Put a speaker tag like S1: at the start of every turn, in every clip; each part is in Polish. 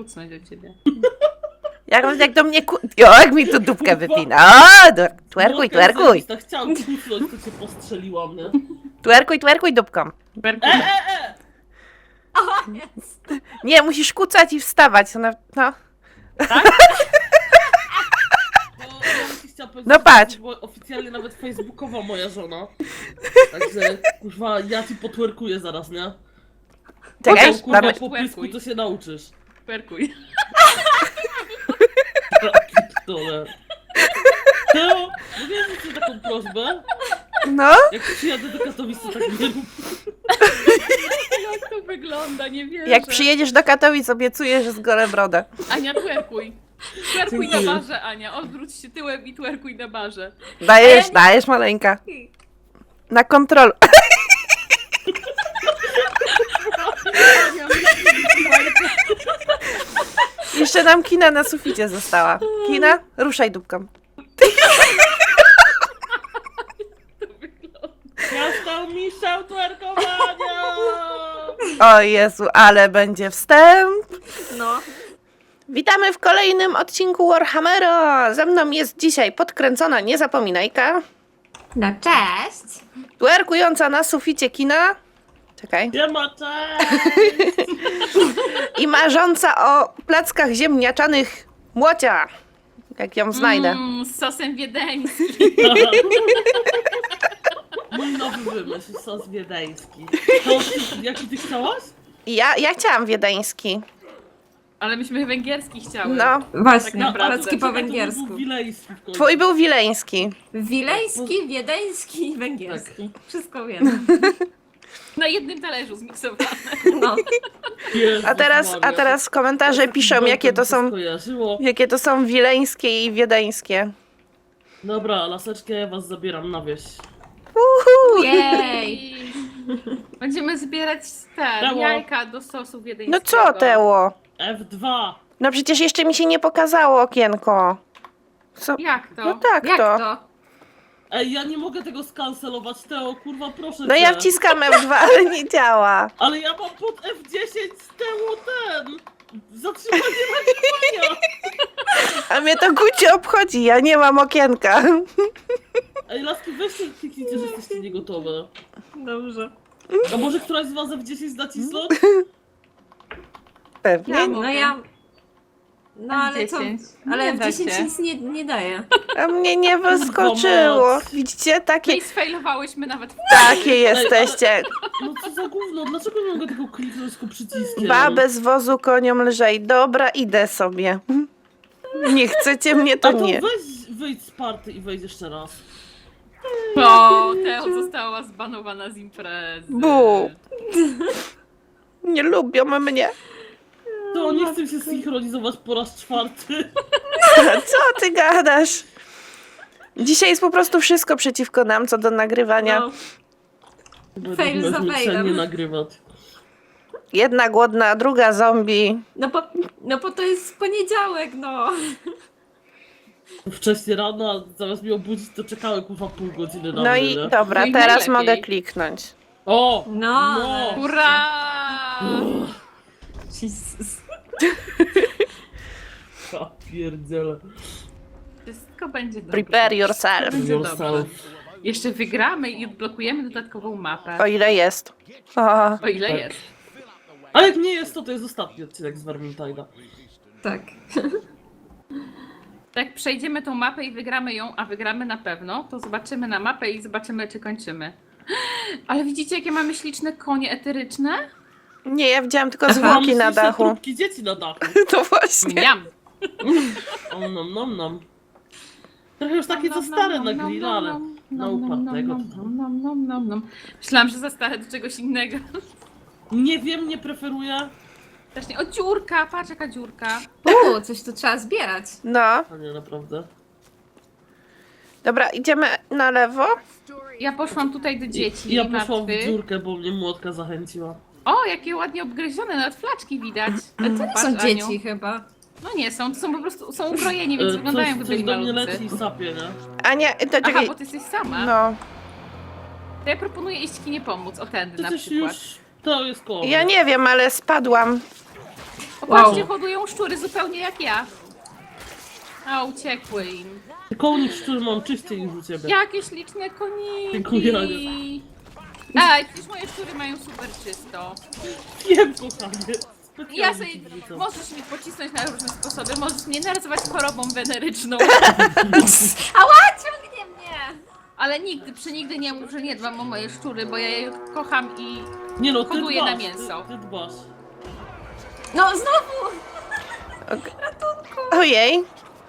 S1: kucnąć do ciebie.
S2: Jak do mnie jak mi tu dupkę wypina. O, twerkuj, twerkuj.
S3: Tak chciałam kucnąć, to cię postrzeliłam, nie?
S2: Twerkuj dupką.
S4: O, jest.
S2: Nie, musisz kucać i wstawać. No.
S3: Bo ja ci chciałam powiedzieć,
S2: No patrz.
S3: że była oficjalnie nawet facebookowa moja żona. Także, kurwa, ja ci potwerkuję zaraz, nie?
S2: Czekaj,
S3: Potem, kurwa,
S2: damy...
S3: po pysku to się nauczysz.
S1: Perkuj.
S3: Pierdolę. Teo, mówię ci taką prośbę.
S2: No,
S3: Jak przyjadę do Katowic, to tak nie rób.
S1: Jak to wygląda, nie wierzę.
S2: jak przyjedziesz do Katowic, obiecuję, że zgorę brodę.
S1: Ania, twerkuj. Twerkuj na
S3: Dziękuję.
S1: barze, Ania. Odwróć się tyłem i twerkuj na barze.
S2: Dajesz maleńka. Na kontrol. Jeszcze nam kina na suficie została. Kina, ruszaj dupką.
S3: Nastał mistrzem twerkowania!
S2: O Jezu, ale będzie wstęp.
S4: No.
S2: Witamy w kolejnym odcinku Warhammera. Ze mną jest dzisiaj podkręcona niezapominajka,
S4: No cześć.
S2: twerkująca na suficie kina. Czekaj.
S3: Nie ma cześć!
S2: I marząca o plackach ziemniaczanych Młocia. Jak ją znajdę.
S1: Z sosem wiedeńskim.
S3: Mój nowy wymysł, sos wiedeński. To, jaki ty chciałaś?
S2: I ja chciałam wiedeński.
S1: Ale myśmy węgierski chciały.
S2: No,
S4: Właśnie,
S1: Tak naprawdę.
S4: placki po
S3: Czekaj, to
S4: węgiersku.
S3: był wilejski w końcu.
S2: twój był wileński.
S4: Wileński, wiedeński i węgierski. Wszystko wiem.
S1: Na jednym talerzu zmiksowane.
S4: No.
S3: Jezus
S2: A teraz komentarze piszą, jakie to są wileńskie i wiedeńskie.
S3: Dobra, laseczkę ja was zabieram na wieś.
S2: Uhu.
S4: Jej.
S1: I będziemy zbierać
S3: Brawo.
S1: jajka do sosu
S2: No
S1: wiedeńskiego.
S2: co, Teło?
S3: F2!
S2: No przecież jeszcze mi się nie pokazało okienko. Co?
S1: Jak to?
S2: No tak
S4: Jak
S2: to.
S4: to?
S3: Ej, ja nie mogę tego skancelować, Teo, kurwa, proszę
S2: No
S3: cię.
S2: ja wciskam F2, ale nie działa.
S3: Ale ja mam pod F10 z Teo zatrzymanie nagrywania!
S2: A mnie to gucie obchodzi, ja nie mam okienka.
S3: Ej, laski, weźcie kliknijcie, że jesteście niegotowe.
S4: Dobrze.
S3: A może któraś z was F10 nacisnąć?
S2: Pewnie.
S4: No ja... No ale co?
S1: F10.
S4: Ale
S1: Nie
S4: w
S1: da
S4: 10
S1: się.
S4: nic nie daje.
S2: A mnie nie wyskoczyło. Widzicie?
S1: No i sfejlowałyśmy nawet w
S2: Takie jesteście.
S3: No co za gówno, dlaczego nie mogę tego kliknąć tylko przyciskiem?
S2: Babę z wozu koniom lżej. Dobra, idę sobie. Nie chcecie mnie,
S3: A
S2: to
S3: to
S2: nie.
S3: wyjdź z party i wejdź jeszcze raz.
S1: O, Teo została zbanowana z imprezy.
S2: Bu. Nie lubią mnie.
S3: To nie chcę się synchronizować po raz czwarty.
S2: Co ty gadasz? Dzisiaj jest po prostu wszystko przeciwko nam, co do nagrywania.
S4: No.
S3: Będę
S4: za
S3: zmęczenie
S4: failem.
S3: nagrywać.
S2: Jedna głodna, druga zombie.
S4: No bo to jest poniedziałek, no.
S3: Wcześniej rano, a zamiast mnie obudzić, to czekały kurwa pół godziny na
S2: No
S3: mnie,
S2: i
S3: nie?
S2: dobra,
S1: No i
S2: teraz
S1: najlepiej.
S2: mogę kliknąć.
S3: O!
S4: No.
S1: Hurra!
S4: Jesus.
S3: Ja pierdzielę.
S1: Wszystko będzie dobrze.
S2: Prepare yourself.
S1: Będzie dobrze.
S3: Yourself.
S1: Jeszcze wygramy i odblokujemy dodatkową mapę.
S2: O ile jest. O,
S1: O ile
S3: Tak.
S1: jest.
S3: A jak nie jest, to jest ostatni odcinek z Vermintide'a.
S4: Tak.
S1: Jak przejdziemy tą mapę i wygramy ją, a wygramy na pewno, to zobaczymy na mapę i zobaczymy, czy kończymy. Ale widzicie, jakie mamy śliczne konie eteryczne?
S2: nie, ja widziałam tylko
S3: Mam
S2: zwłoki na
S3: śliczne
S2: dachu.
S3: trupki dzieci na dachu.
S2: To właśnie.
S1: Miam!
S3: Om nom nom nom. Trochę już takie co stare na grilla, ale na upartego to tam.
S1: Myślałam, że za stare do czegoś innego.
S3: Nie wiem, nie preferuję.
S1: Właśnie, o dziurka, patrz jaka dziurka.
S4: Coś tu trzeba zbierać.
S2: No,
S3: A nie, naprawdę.
S2: dobra, idziemy na lewo.
S1: Ja poszłam tutaj do dzieci.
S3: I ja poszłam w
S1: martwych.
S3: dziurkę, bo mnie młotka zachęciła.
S1: O, jakie ładnie obgryzione, nawet flaczki widać.
S4: Ale to nie
S1: Patrz,
S4: są
S1: Aniu.
S4: dzieci chyba.
S1: No nie są, to są po prostu, są ukrojeni, więc wyglądają jakby
S3: Coś
S1: byli
S3: do mnie
S1: malutcy.
S3: leci i sapie, nie?
S2: Ania, to
S1: Aha,
S2: czekaj.
S1: bo ty jesteś sama.
S2: No,
S1: To ja proponuję iść kinie pomóc, o tędy
S3: To
S1: na
S3: coś
S1: przykład.
S3: już... To jest koło.
S2: ja nie wiem, ale spadłam.
S1: Popatrzcie, hodują szczury zupełnie jak ja. A, uciekły im.
S3: Kołnik, który mam czyściej niż u ciebie.
S1: Jakie śliczne koniki.
S3: Dziękuję.
S1: Ej, przecież moje szczury mają super czysto.
S3: Wiem, kochanie.
S1: Ja
S3: Specjalnie
S1: sobie,
S3: ci wrzucam.
S1: możesz mi pocisnąć na różne sposoby, możesz mnie nazywać chorobą weneryczną,
S4: Ała, ciągnie mnie!
S1: ale nigdy nie mów, że nie dbam o moje szczury, bo ja je kocham i
S3: Nie no, ty
S1: hoduję
S3: dbasz,
S1: na mięso.
S3: Ty dbasz.
S4: No, znowu!
S2: Ojej.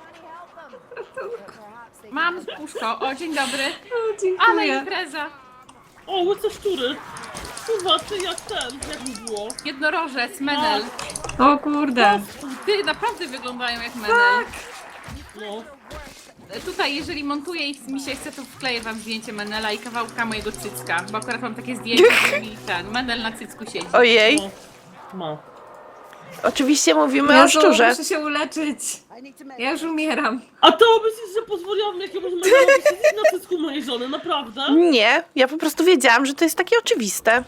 S1: mam puszko. O, dzień dobry.
S4: O,
S1: Ale
S4: dziękuję.
S1: impreza.
S3: O, łyse szczury. Kurwa, ty jak mi było?
S1: Jednorożec, menel.
S4: O kurde.
S1: Ty, naprawdę wyglądają jak menel.
S3: No.
S1: Tutaj, jeżeli montuję i mi się chce, to wkleję wam zdjęcie menela i kawałka mojego cycka, bo akurat mam takie zdjęcie, że mi ten menel na cycku siedzi.
S2: Ojej.
S3: No. Ma.
S2: Oczywiście mówimy o
S4: Jezu,
S2: szczurze.
S4: muszę się uleczyć. Ja już umieram.
S3: A to myślisz, że pozwoliłam jakiemuś mężowi siedzieć na cycku mojej żony, naprawdę?
S2: Nie, ja po prostu wiedziałam, że to jest takie oczywiste.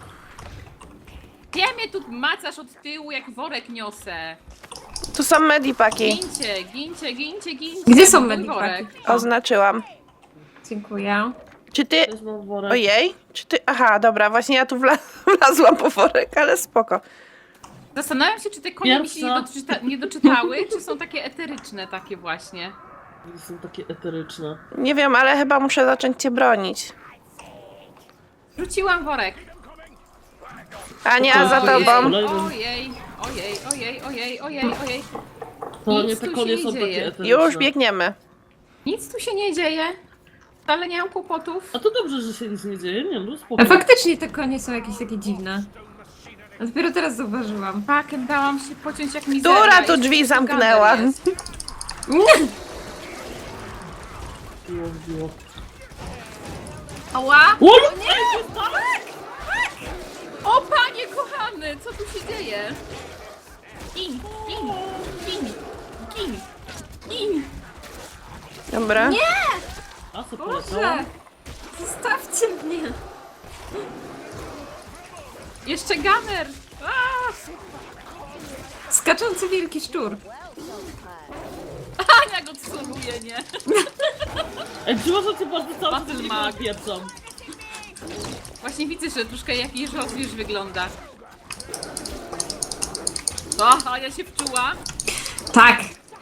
S1: Ja mnie tu macasz od tyłu, jak worek niosę.
S2: Tu są medipaki.
S1: Gincie, gincie, gincie, gincie.
S4: Gdzie są
S1: mój
S4: medipaki?
S1: worek.
S2: Oznaczyłam.
S4: Dziękuję.
S2: Czy ty...
S3: Też mam worek.
S2: Ojej, czy ty... Aha, dobra, właśnie ja tu wlazłam po worek, ale spoko.
S1: Zastanawiam się, czy te konie mi się
S3: Pierwsza.
S1: nie doczytały, czy są takie eteryczne takie właśnie.
S3: Są takie eteryczne.
S2: Nie wiem, ale chyba muszę zacząć cię bronić.
S1: Rzuciłam worek.
S2: Ania, za
S3: Ojej.
S2: tobą.
S1: Ojej, ojej, ojej, ojej, ojej, ojej.
S3: To nie,
S1: Nic
S3: te
S1: tu
S3: konie
S1: się
S3: są
S1: nie
S3: takie
S1: dzieje.
S3: eteryczne.
S2: Już biegniemy.
S1: Nic tu się nie dzieje. Wcale nie mam kłopotów.
S3: A to dobrze, że się nic nie dzieje, nie no, spoko.
S4: A faktycznie te konie są jakieś takie dziwne. A dopiero teraz zauważyłam.
S1: Pakę dałam się pociąć jak mizerna.
S2: Która tu
S1: Jeszcze
S2: drzwi
S1: tu
S2: zamknęła?
S1: gamer jest.
S3: Wbiło.
S4: Ała!
S3: O,
S1: O panie kochany, co tu się dzieje? Gin, gin, gin, gin, gin.
S2: Dobra.
S3: A co
S4: Boże!
S3: poleciałam?
S4: Zostawcie mnie!
S1: Jeszcze gamer. A!
S4: Skaczący wielki szczur.
S1: Ania go celuje, nie?
S3: Ej, przepraszam cię bardzo, cały czas
S1: Battle
S3: nie
S1: mag.
S3: napieprzam.
S1: Właśnie widzę, że troszkę jakiś rozwierz wygląda. O, Ania się wczuła.
S4: Tak!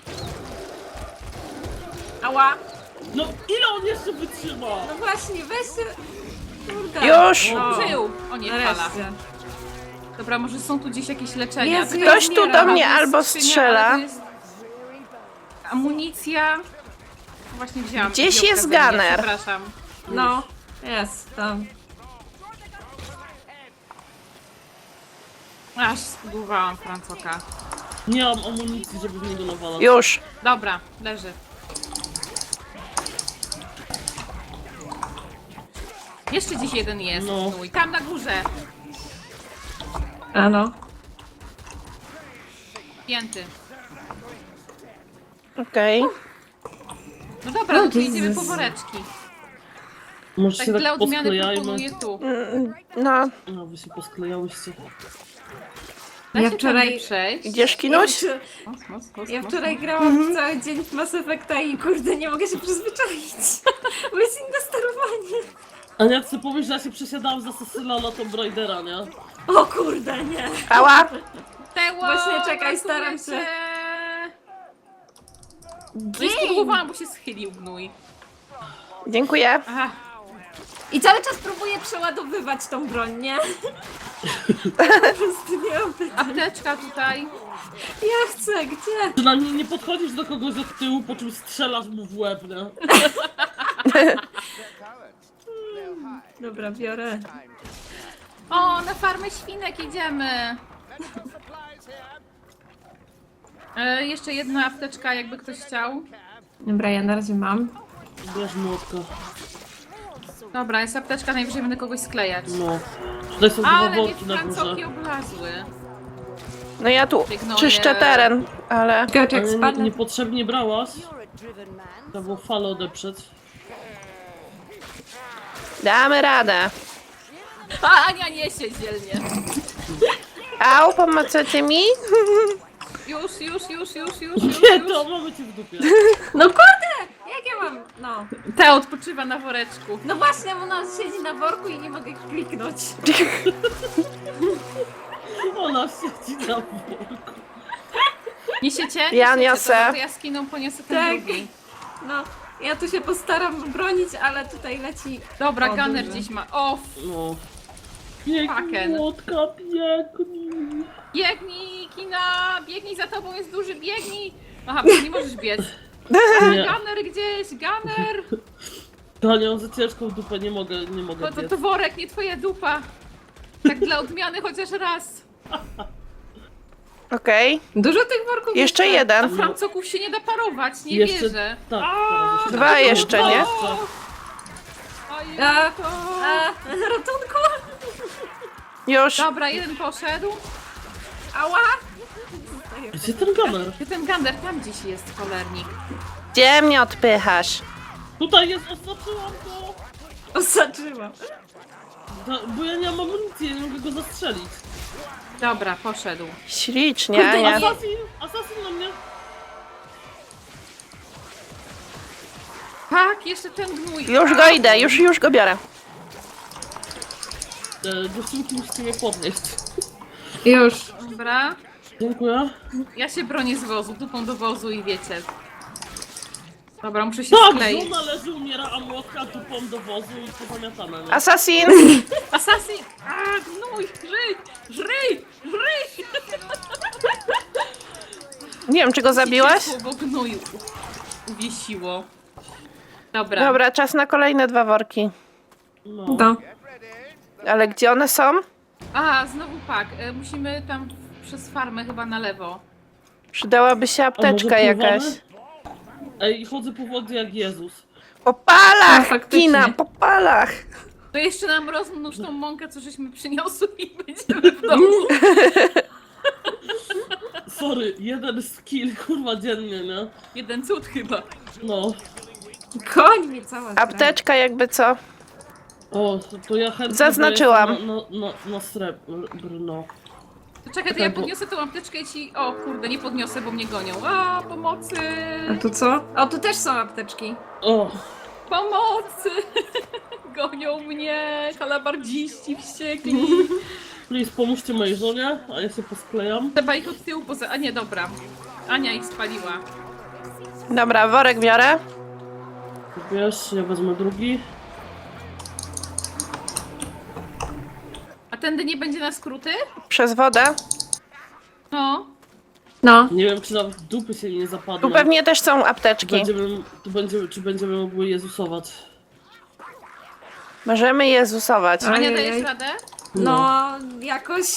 S1: Ała.
S3: No ile on jeszcze wytrzyma?
S4: No właśnie, weź się... Kurde.
S2: Już.
S4: No.
S1: Żył. O nie, fala.
S4: Nareszcie.
S1: Dobra, może są tu gdzieś jakieś leczenia.
S4: Jezu,
S1: Tylko
S4: ja
S2: Ktoś tu
S1: umieram.
S2: do mnie
S1: To jest
S2: albo
S1: skrzynia,
S2: strzela.
S1: ale to jest amunicja. Właśnie wzięłam.
S2: Gdzieś
S1: wziąłkę
S2: jest
S1: ze mnie,
S2: gunner.
S1: Przepraszam.
S4: No, jest tam.
S1: Aż spudłowałam Francoka.
S3: Nie mam amunicji, żeby w niego nawalać.
S2: Już.
S1: Dobra, leży. Jeszcze dziś jeden jest.
S3: No.
S1: Gnój. Tam na górze.
S4: A no.
S1: Pięty.
S2: Okej.
S1: No dobra, no to
S4: Jezus.
S1: idziemy po woreczki.
S3: Może
S1: Tak
S3: się
S1: dla
S3: tak
S1: odmiany
S3: posklejajmy.
S1: proponuję tu.
S2: No,
S3: No, wy się posklejałyście.
S1: Da
S4: Ja
S1: się
S4: wczoraj-
S1: tędy przejść?
S2: idziesz kinuś?
S4: Ja wczoraj grałam cały dzień w Mass Effecta i kurde, nie mogę się przyzwyczaić. Bo jest inne sterowanie.
S3: A jak sobie powiesz, że ja się przesiadałam za Cecila na Tomb Raidera, nie?
S4: O kurde, nie.
S2: Ała.
S1: Teło,
S4: Właśnie czekaj, staram
S1: ratujecie.
S4: się.
S1: No i spróbowałam, bo się schylił gnój.
S2: Dziękuję.
S1: Aha.
S4: I cały czas próbuję przeładowywać tą broń, nie? Po prostu nie mam pytań.
S1: Apteczka tutaj.
S4: Ja chcę, gdzie?
S3: Przynajmniej nie podchodzisz do kogoś od tyłu, po czym strzelasz mu w łeb, nie?
S4: Dobra, biorę.
S1: O, na farmę świnek idziemy. Jeszcze jedna apteczka, jakby ktoś chciał.
S4: Dobra, ja na razie mam.
S3: Bierz młotka.
S1: Dobra, jest apteczka, najwyżej będę kogoś sklejać.
S3: No. Tutaj są dwa
S1: Ale mnie
S3: worki na
S1: francoki
S3: górze.
S1: oblazły.
S2: No ja tu
S1: Biegnąłem.
S2: czyszczę teren, ale...
S4: Czekaj, jak
S3: Ale
S4: spadnę.
S3: niepotrzebnie brałaś. Trzeba było falę odeprzeć.
S2: Damy radę.
S1: A Ania niesie dzielnie.
S2: Au, pomożecie mi?
S1: Już.
S3: Nie, to mamy cię w dupie.
S4: No kurde! Jak ja mam? No.
S1: Ta odpoczywa na woreczku.
S4: No właśnie, ona siedzi na worku i nie mogę kliknąć.
S3: Ona siedzi na worku.
S1: Niesiecie?
S2: Ja
S1: Niesiecie.
S2: niosę.
S1: Dobra, to ja z Kiną poniosę ten
S4: Tak.
S1: drugi.
S4: No, ja tu się postaram bronić, ale tutaj leci...
S1: Dobra,
S4: O,
S1: Gunner
S4: duży.
S1: gdzieś ma. O,
S3: No.
S1: Fucken.
S3: Biegnij, młotka, biegnij.
S1: biegnij, Kina! Biegnij, za tobą jest duży, biegnij! Aha, bo nie możesz biec.
S3: Nie.
S1: Gunner gdzieś, Gunner!
S3: Daniel, za ciężką dupę nie mogę
S1: To
S3: biec.
S1: worek, nie twoja dupa. Tak dla odmiany chociaż raz.
S2: Okej.
S4: Dużo tych worków
S2: Jeszcze
S1: A
S2: jeden.
S1: Francoków się nie da parować, nie
S3: Jeszcze-
S1: wierzę.
S3: Tak, teraz jeszcze.
S2: Dwa jeszcze, nie?
S1: Ojej,
S4: A,
S1: to...
S4: ratunku!
S2: Już.
S1: Dobra, jeden poszedł.
S4: Ała!
S3: Gdzie ten Gunner?
S1: Gdzie ten Gunner? Tam gdzieś jest cholernik.
S2: Gdzie mnie odpychasz?
S3: Tutaj jest, oznaczyłam go!
S4: Osaczyłam.
S3: Bo ja nie mam amunicji, ja nie mogę go zastrzelić.
S1: Dobra, poszedł.
S2: Ślicznie,
S4: Kurde,
S2: Ania.
S3: Asasin na mnie!
S1: Tak, jeszcze ten gnój.
S2: Już go idę, już go biorę.
S3: Dziewczynki musicie mnie podnieść.
S4: Już.
S1: Dobra.
S3: Dziękuję.
S1: Ja się bronię z wozu, dupą do wozu i wiecie. Dobra, muszę się
S3: Tak,
S1: skleić.
S3: żona leży, umiera, a młotka dupą do wozu i pozamiatane. Nie?
S2: Assassin!
S1: Assassin! A, gnój! Żryj!
S2: Nie wiem, czy go zabiłaś?
S1: Bo gnoju uwiesiło. Dobra.
S2: Dobra, czas na kolejne 2 worki.
S3: No.
S4: No.
S2: Ale gdzie one są?
S1: A, znowu pak. Musimy tam przez farmę chyba na lewo.
S2: Przydałaby się
S3: A
S2: apteczka
S3: może
S2: jakaś.
S3: pływamy? Ej, chodzę po wodzie jak Jezus.
S2: Po palach!
S4: No, faktycznie.
S2: Kina, po palach!
S1: To jeszcze nam rozmnóż tą mąkę, co żeśmy przyniosły i będziemy w domu.
S3: Sorry, jeden skill, kurwa, dziennie, nie?
S1: Jeden cud chyba.
S3: No.
S4: Koń mnie cała zdrada.
S2: Apteczka jakby co?
S3: O, to ja chętnie
S2: Zaznaczyłam.
S3: daję na srebrno.
S1: To czekaj, to ja podniosę tą apteczkę i ci... O kurde, nie podniosę, bo mnie gonią. A, pomocy!
S4: A tu co? O, tu też są apteczki.
S3: O,
S1: Pomocy! Gonią mnie, halabardziści wściekli.
S3: please, pomóżcie mojej żonie, a ja się posklejam.
S1: Trzeba ich od tyłu poza... A nie, dobra. Ania ich spaliła.
S2: Dobra, worek biorę.
S3: Wiesz, ja wezmę drugi.
S1: A tędy nie będzie na skróty?
S2: Przez wodę.
S1: No.
S4: No.
S3: Nie wiem, czy nawet dupy się nie zapadną.
S2: Tu pewnie też są apteczki.
S3: Czy będziemy mogły Jezusować.
S2: Możemy Jezusować.
S4: A-
S1: Ania,
S4: Ojej.
S1: dajesz radę?
S4: No, jakoś.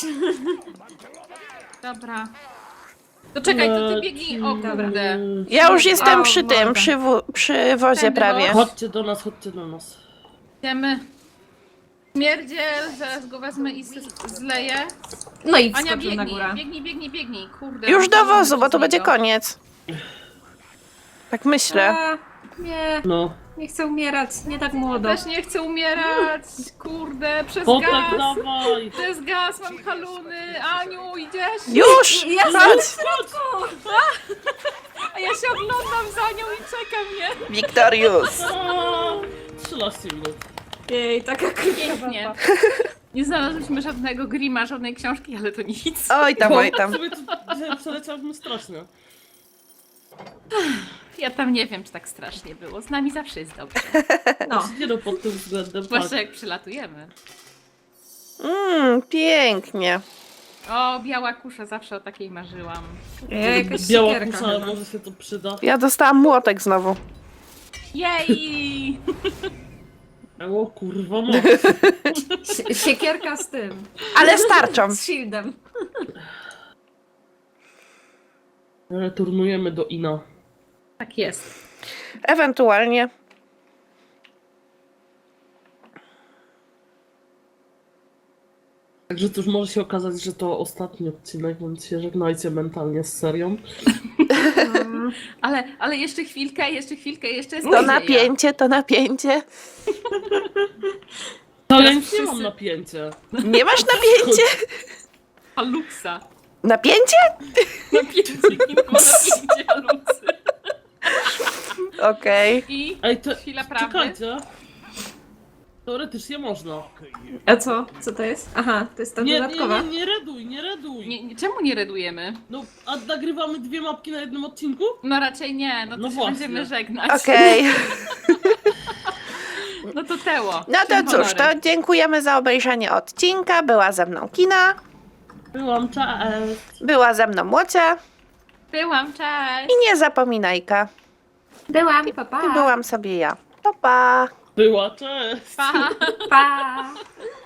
S1: Dobra. To czekaj, to ty biegnij. O kurde.
S2: Ja już jestem
S4: O,
S2: przy tym,
S4: morda.
S2: przy wozie
S1: Tędy,
S2: prawie.
S1: no.
S3: Chodźcie do nas, chodźcie do nas.
S1: Idziemy. Śmierdziel, zaraz go wezmę i zleję.
S4: No i
S1: Ania,
S4: wskoczył na górę.
S1: biegnij, kurde.
S2: Już do
S1: mam
S2: wozu, bo
S1: z
S2: to będzie
S1: niego.
S2: koniec. Tak myślę.
S4: A, nie,
S3: No.
S4: nie chcę umierać, nie tak młodo.
S1: Też nie chcę umierać, kurde, przez
S3: Potek
S1: gaz.
S3: dawaj!
S1: Przez gaz mam haluny. Aniu, idziesz?
S2: Już!
S4: Ja
S2: Chodź!
S1: A ja się oglądam za nią i czekam, nie?
S2: Wiktorius!
S3: Aaa, 13 minut.
S4: Jej, taka
S1: Pięknie. Nie znalazłyśmy żadnego grima, żadnej książki, ale to nic.
S2: Oj tam, oj tam.
S3: Sobie tu dzisiaj przeleciałbym strasznie.
S1: Ja tam nie wiem, czy tak strasznie było. Z nami zawsze jest dobrze.
S4: No.
S3: Nie no, pod tym względem
S1: Zwłaszcza
S3: tak.
S1: jak przylatujemy.
S2: Pięknie.
S1: O, biała kusza, zawsze o takiej marzyłam.
S4: Ja jakaś
S3: Biała
S4: siekierka
S3: kusza,
S4: chyba.
S3: może się to przyda.
S2: Ja dostałam młotek znowu.
S1: Jej!
S3: O kurwa, no.
S4: Siekierka z tym.
S2: Ale starczą.
S4: Z shieldem.
S3: Returnujemy do Ina.
S1: Tak jest.
S2: Ewentualnie.
S3: Także cóż, może się okazać, że to ostatni odcinek, więc się żegnajcie mentalnie z serią.
S1: Ale jeszcze chwilkę, jeszcze jest
S2: To
S1: nadzieja.
S2: napięcie, to napięcie.
S3: No ja
S1: Teraz
S3: nic nie
S1: wszyscy-
S3: mam napięcie.
S2: Nie masz napięcie?
S1: Haluksa.
S2: Napięcie?
S1: Napięcie, Kingo, napięcie haluksy.
S2: Okej.
S1: I
S3: Ej, to
S1: chwila prawdy.
S3: czekajcie. Teoretycznie można.
S4: A co? Co to jest? Aha, to jest ta dodatkowa.
S3: Nie reduj, nie reduj.
S1: Czemu nie redujemy?
S3: No, a nagrywamy 2 mapki na jednym odcinku?
S1: No raczej nie, no to
S3: No
S1: się
S3: właśnie.
S1: będziemy żegnać.
S2: Okej.
S1: No to Teło.
S2: No
S1: czyń
S2: to cóż, to
S1: honory.
S2: dziękujemy za obejrzenie odcinka. Była ze mną Kina,
S3: Byłam, cześć.
S2: była ze mną Łocia
S1: Byłam, cześć.
S2: i Niezapominajka.
S4: Byłam, pa, pa.
S2: I byłam sobie ja. Pa, pa.
S3: Była, cześć.
S1: Pa.
S4: Pa.